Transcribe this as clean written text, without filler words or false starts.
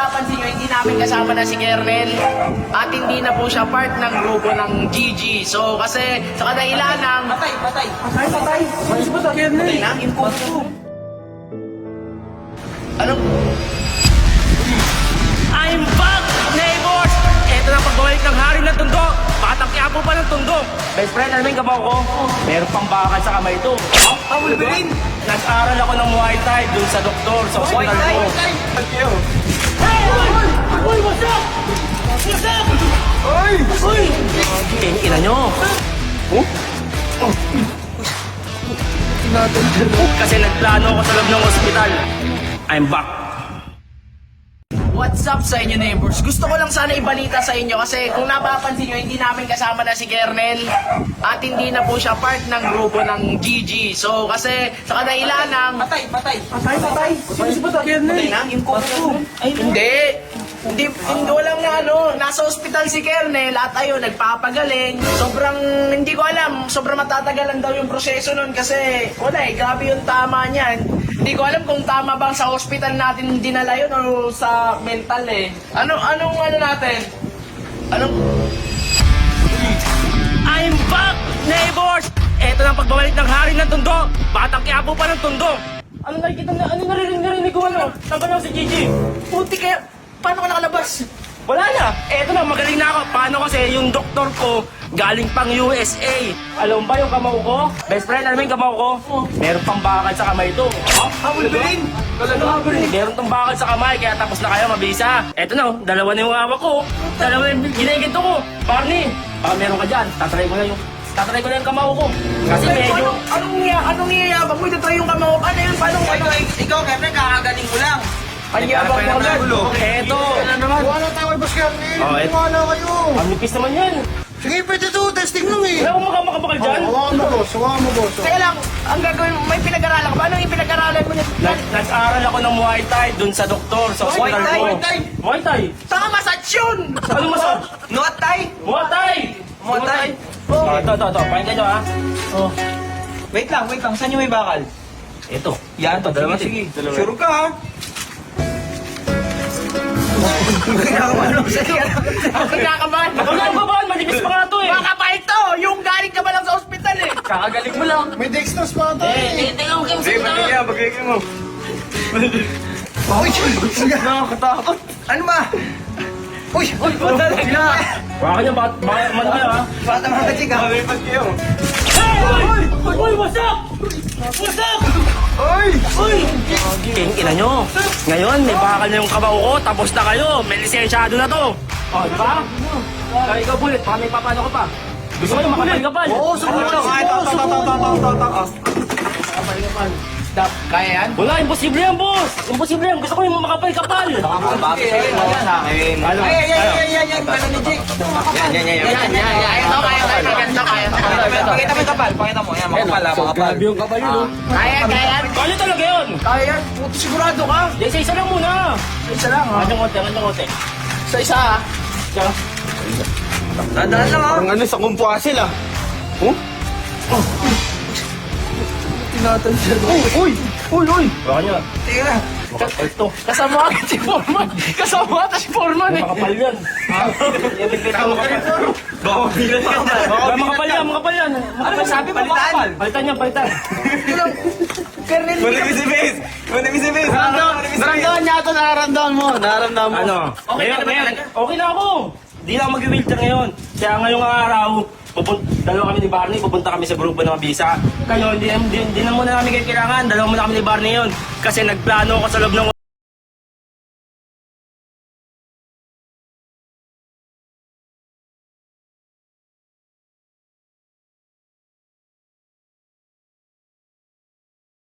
napapansin nyo, hindi namin kasama na si Kernel at hindi na po siya part ng grupo ng GG. So, kasi sa kadailan ng... Patay! Patay ba Kernel? Patay na? Imposto. Ano? I'm back, neighbors! Ito na pagbabalik ng hari ng Tondo. Batang Quiapo pa ng Tondo. Best friend, alam mo yung kabaw ko? Meron pang bakal sa kamay ito. Wolverine! Nag-aral ako ng Muay Thai dun sa doktor, sa hospital ko. Hey! Uy! What's up? What's up? Uy! Uy! Ina nyo. Kasi nagplano ako sa loob ng ospital. I'm back. What's up sa inyo, neighbors? Gusto ko lang sana ibalita sa inyo kasi kung napapansin nyo, hindi namin kasama na si Kernel at hindi na po siya part ng grupo ng GG. So, kasi sa kadailan ng... Patay! Sino ba Kernel? Patay na? Imposto. Hindi, walang nasa ospital si Kernel at ayun, nagpapagaling. Sobrang, hindi ko alam, sobrang matatagalan daw yung proseso nun kasi wala grabe yung tama niyan. Hindi ko alam kung tama bang sa hospital natin dinala yun o sa mental Anong natin? I'm back, neighbors! Eto na pagbabalik ng hari ng Tondo. Batang Quiapo pa ng Tondo. Ano narinig ko Sabi si Gigi. Puti kaya, paano ka nakalabas? Wala na. Eto na, magaling na ako. Paano kasi yung doktor ko galing pang USA. Alam ba yung kamao ko? Best friend, alam mo yung kamao ko? Meron pang bakal sa kamay ito. Wolverine! Meron tong bakal sa kamay, kaya tapos na kayo, mabisa. Eto na, dalawa na yung hawak ko. Dalawa yung ginigito ko. Barney, baka meron ka dyan. Tatry ko na yung kamao ko. Kasi medyo... Anong niyayabang mo? Ito yung kamao ko. Ano yun? Paano? Ikaw, Kevin, kakagaling ko lang. Panyabang mo agad. Eto. Wala tayo kay Boss Kernel. Wala kayo. Ang nipis naman yan. Sige, pwede to. Testing lang eh. Wala akong makabakal dyan. Hawakan mo, boss. Kaya lang, ang gagawin mo, may pinag-aralan ka ba? Anong yung pinag-aralan mo niya? Nag-aral ako ng Muay Thai dun sa doktor, sa hospital ko. Muay Thai? Saka massage yun! Ano massage? Muay Thai? Muay Thai! Muay Thai? Ito. Pakinggan nyo ha. Wait lang. Saan yung may bakal? Ito. Yan, dalawa. Sige. Sure ka ha? Ang kinakabahan. Manipis pa nga ito eh. Baka pa ito, yung galing ka ba lang sa ospital eh. Kakagaling mo lang. May dextrose pa tayo. Tingnan mo kayo sa Bagay mo. Uy, Nakakatakot. Ano ba? Uy, Baka niya, baka man kayo ha. Bata mga chika. Uy, what's up? What's up? Uy! Ina nyo. Ngayon, may bakal na yung kabaw ko, tapos na kayo. May lisensyado na to. O, di ba? Kaya ikaw, Bullet, baka may papano ko pa. Gusto ko yung makapal-kapal. Oo, sumunod. Kaya yan? Wala, imposible yan, boss. Imposible yan. Gusto ko yung makapal-kapal. Bakit sa'yo? Sa akin. Yan. Pala ni Jake. Yan. Pakita mo yung kapal. Pakita mo. Yan, makapal. Yung kapal yun, Kaya talaga yun. Kaya yan. Puto sigurado ka. Di, isa lang muna. Isa lang, ha? Kanyang konti. Isa, ha? Dadaan lang ha. Parang sa kumpwasil ah. Uy! Baka nyo. Tira. Ito. Kasama agad si Foreman. Kasama ata si Foreman eh. Makapal yan. Baka bilang ka na. Makapal yan. Ano ba sabi mo makapal? Palitan. Kernel. Manipis si Face. Naramdaman niya ito, nararamdaman mo. Ano? Okay na ako. Di na ako mag-wheelchair ngayon. Kaya ngayong araw, dalawa kami ni Barney, pupunta kami sa grupo ng Mabisa. Kayo, hindi na muna namin kayo kailangan. Dalawa muna kami ni Barney yun. Kasi nagplano ako sa loob ng